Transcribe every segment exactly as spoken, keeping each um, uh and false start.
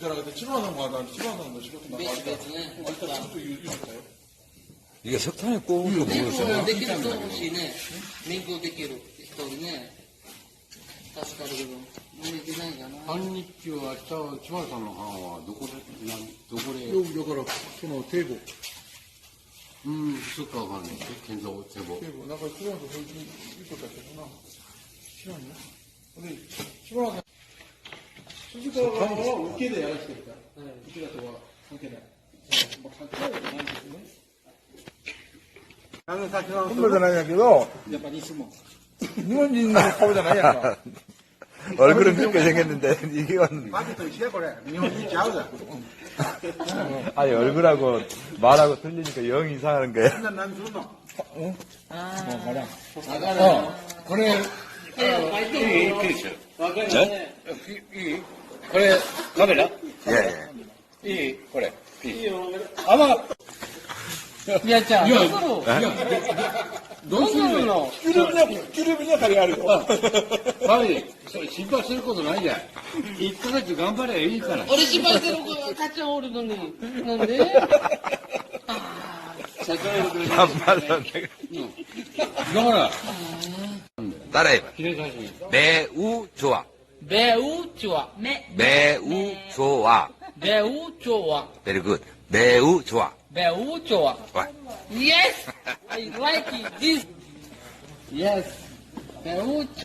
じゃなくて、千葉のまだ、千葉の仕事なんかあったら、 別々ね。 あったらちょっと言う、言うたよ。 いや、석탄에 꽂은 거 民 모르겠어요. 行できる人欲しいね。民行できる人にね。助かるけど、もうできないかな。 半日は明日、千葉さんの班はどこで、なんどこで、 よく、だから、その、堤防。 うん、そっかわかんない。建造、堤防。 堤防、なんか、千葉のそういう、いいことやってるな。知らんね。で、千葉の、鈴川側は受けでやらせてるから。受けだとは関係ない。まあ、関係ないわけないんですよね。 本土じゃないんやけど、 やっぱ西も。 日本人の顔じゃないやんか。 얼굴은 그렇게 생겼는데, 이건. マジと一緒や、これ。日本人ちゃうだ。 아니, 얼굴하고 말하고 틀리니까 영 이상하는 거야. みんな何するのもう、ほら。 わかるよ。 これ、 いや、書いてるよ。わかるよね。 いいこれ、カメラ 예, 예. いいこれ。 いいよ。 あ、まあ、 いや、じゃあ、どうするどうするの 기름이냐, 기름이냐, 다리 알고. はい、それ心配することないじゃん。いっかげつ頑張ればいいから。 俺心配してる子、たっちゃんおるのに。なんでああ、社会力 반말로. だから、 따라해봐. 記念写真。 매우 좋아. 매우 좋아. 매, 매우 좋아. 매우 좋아. Very good. 매우 좋아. 매우 좋아. 와. Yes! I like it. This. Yes. 매우 좋아.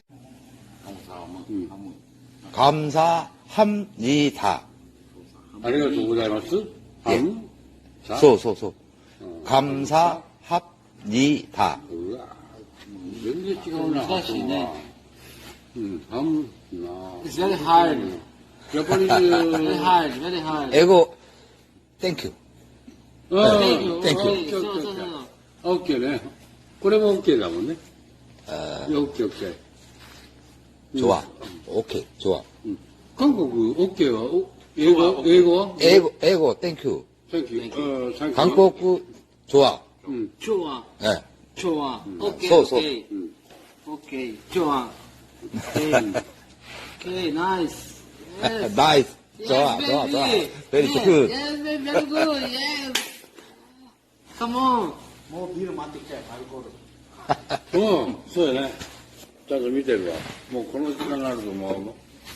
감사합니다. ありがとうございます。 えさ 소, 소, 소. 감사합니다. うわ全然違うな。 難しいね。 うん、ハムな。 It's very hard. やっぱり、 Very hard. Very hard. 에고, 땡큐. うん、 Thank you. Thank you. そうそうそうそう。 オッケーね。これもオッケーだもんね。 어, いやオッケーオッケー。 좋아. 오케이, 좋아. 韓国オッケーは、お英語英語は 에고, 에고, 땡큐. サンキュー。うん、サンキュー。 한국, 좋아. うん。 좋아. 예. 좋아. 오케이. 소, 소. 오케이. 오케이. 좋아. 오케이. 오케이. 나이스. Yes. 나이스. 좋아, Yes, 좋아, 좋아. baby. Very Yes, good. Yes, baby. Very good. Yes. Come on. もうビール待ってきたよ、アルコール。 うん、そうやね。ちゃんと見てるわ。もうこの時間になるともう、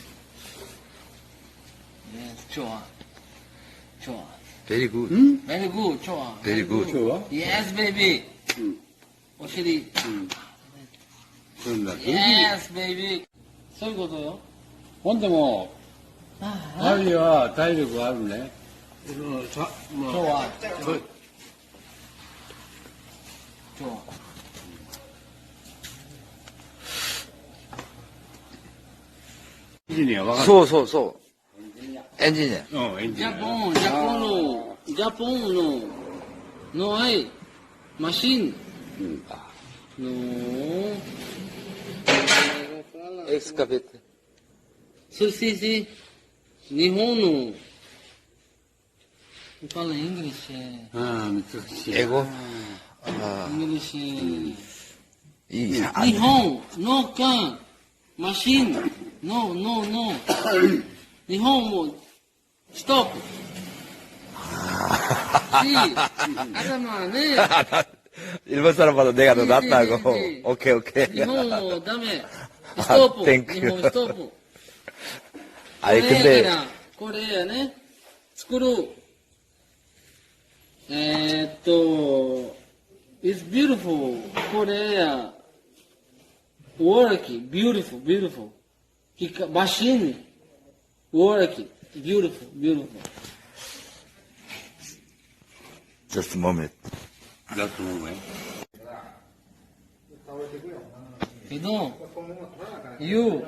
Yes. 좋아. 좋아. Very good. Very good. 좋아. Very good. 今日は Yes, baby. うん。 오시리. そんな。 Yes, baby. そういうことよ。 ほんでも、 あアリは体力あるね。 今日は。今日は。 エンジニアわかる。 소, 소, 소. 엔지니어. うん、エンジニア。 Japón, Japón no, Japón no, no hay machine. うん。 No. 엑스카베이터. Sí, sí, sí. Nihon no. Fala English. ああ、難しい。 에고. 아, English. 이, 아, Nihon, no can. Machine. No, no, no. Nihon mo. Stop. Sí. 아자마, 네. 일본 사람마다 내가 더 네, 낫다고. 네, 네. 오케이, 오케이. 日本もダメ。ストップ。 Thank 日 you. 本ストップ。 아니, これや 근데, から、これやね。作る。えー、っと、it's beautiful. これや。work, beautiful, beautiful. ひか machine, work, beautiful, beautiful. just a moment. だと思うね。 けど、you,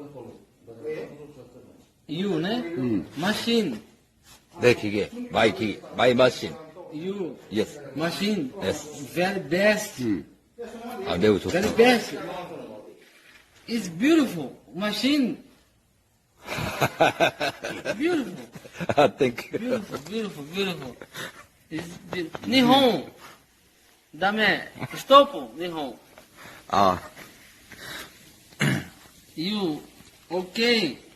you ね、 ん machine, 내 기계, 마이 기계, 마이 머신. you, Yes. machine, Yes. very best. うん。 아, 매우 좋다. Very best. It's beautiful. Machine. beautiful. 아, 땡큐. Beautiful, beautiful, beautiful. It's beautiful. 日本。ダメ。ストップ。日本。 아, You. Okay.